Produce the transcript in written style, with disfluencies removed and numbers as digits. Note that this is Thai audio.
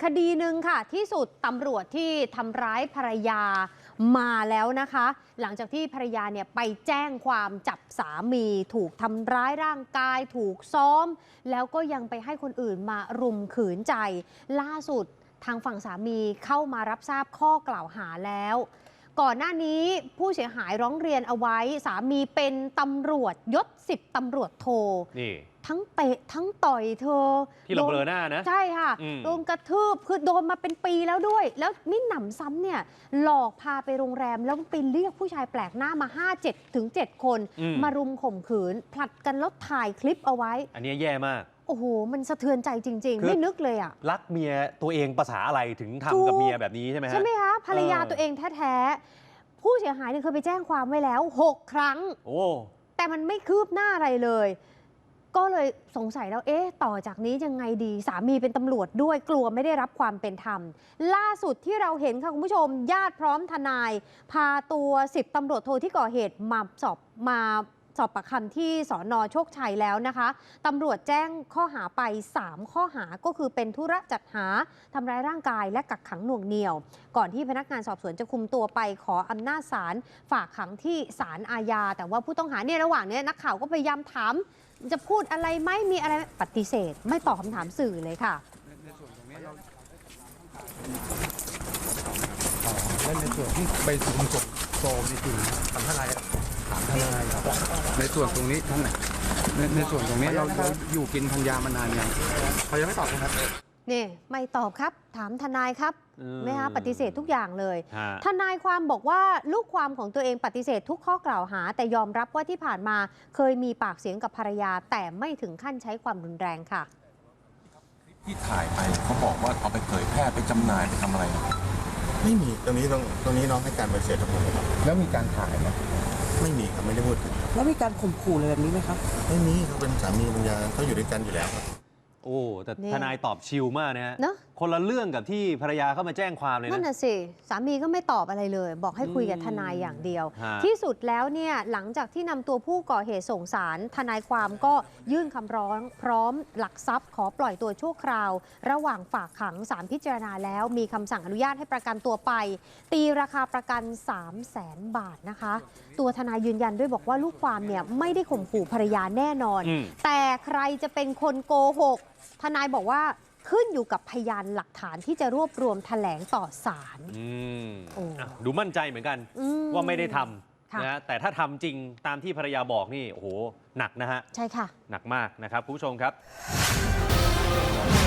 ดีหนึ่งค่ะที่สุดตำรวจที่ทำร้ายภรรยามาแล้วนะคะ หลังจากที่ภรรยาเนี่ยไปแจ้งความจับสามีถูกทำร้ายร่างกายถูกซ้อมแล้วก็ยังไปให้คนอื่นมารุมขืนใจล่าสุดทางฝั่งสามีเข้ามารับทราบข้อกล่าวหาแล้วก่อนหน้านี้ผู้เสียหายร้องเรียนเอาไว้สามีเป็นตำรวจยศ10 ตำรวจโทนี่ทั้งเตะทั้งต่อยเธอที่เราเบลอหน้านะใช่ค่ะโดนกระทืบคือโดนมาเป็นปีแล้วด้วยแล้วมิหนำซ้ำเนี่ยหลอกพาไปโรงแรมแล้วไปเรียกผู้ชายแปลกหน้ามา5-7 คนมารุมข่มขืนผลัดกันแล้วถ่ายคลิปเอาไว้อันนี้แย่มากโอ้โหมันสะเทือนใจจริงๆไม่นึกเลยอ่ะรักเมียตัวเองภาษาอะไรถึงทำกับเมียแบบนี้ใช่ไหมฮะใช่ไหมคะภรรยาตัวเองแท้ๆผู้เสียหายเนี่ยเคยไปแจ้งความไว้แล้ว6 ครั้งโอ้แต่มันไม่คืบหน้าอะไรเลยก็เลยสงสัยแล้วต่อจากนี้ยังไงดีสามีเป็นตำรวจด้วยกลัวไม่ได้รับความเป็นธรรมล่าสุดที่เราเห็นค่ะคุณผู้ชมญาติพร้อมทนายพาตัว10 ตำรวจโทที่ก่อเหตุมาสอบปากคำที่สน.โชคชัยแล้วนะคะตำรวจแจ้งข้อหาไป3 ข้อหาก็คือเป็นธุระจัดหาทำร้ายร่างกายและกักขังหน่วงเหนี่ยวก่อนที่พนักงานสอบสวนจะคุมตัวไปขออำนาจศาลฝากขังที่ศาลอาญาแต่ว่าผู้ต้องหาเนี่ยระหว่างนี้นักข่าวก็พยายามถามจะพูดอะไรไหมมีอะไรปฏิเสธไม่ตอบคำถามสื่อเลยค่ะและในส่วนที่ไปถึงศพโซมนี่คือทำเท่าไรถามทนายครับในส่วนตรงนี้ท่านไหนในส่วนตรงนี้เราอยู่กินพันยามานานยังเขายังไม่ตอบครับนี่ไม่ตอบครับถามทนายครับไหมคะปฏิเสธทุกอย่างเลยทนายความบอกว่าลูกความของตัวเองปฏิเสธทุกข้อกล่าวหาแต่ยอมรับว่าที่ผ่านมาเคยมีปากเสียงกับภรรยาแต่ไม่ถึงขั้นใช้ความรุนแรงค่ะที่ถ่ายไปเขาบอกว่าเอาไปเผยแพร่ไปจำหน่ายไปทำอะไรไม่มีตรงนี้น้องให้การปฏิเสธทั้งหมดครับแล้วมีการถ่ายไหมไม่มีครับไม่ได้พูดถึงแล้วมีการข่มขู่อะไรแบบนี้ไหมครับไม่มีเขาเป็นสามีภรรยาเขาอยู่ด้วยกันอยู่แล้วครับโอ้แต่ทนายตอบชิลมากนะฮะคนละเรื่องกับที่ภรรยาเข้ามาแจ้งความเลยนะนั่นน่ะสิสามีก็ไม่ตอบอะไรเลยบอกให้คุยกับทนายอย่างเดียวที่สุดแล้วเนี่ยหลังจากที่นำตัวผู้ก่อเหตุส่งศาลทนายความก็ยื่นคำร้องพร้อมหลักทรัพย์ขอปล่อยตัวชั่วคราวระหว่างฝากขังศาลพิจารณาแล้วมีคำสั่งอนุญาตให้ประกันตัวไปตีราคาประกัน 300,000 บาทนะคะตัวทนายยืนยันด้วยบอกว่าลูกความเนี่ยไม่ได้ข่มขู่ภรรยาแน่นอนแต่ใครจะเป็นคนโกหกทนายบอกว่าขึ้นอยู่กับพยานหลักฐานที่จะรวบรวมแถลงต่อศาลดูมั่นใจเหมือนกันว่าไม่ได้ทำนะแต่ถ้าทำจริงตามที่ภรรยาบอกนี่โอ้โหหนักนะฮะใช่ค่ะหนักมากนะครับคุณผู้ชมครับ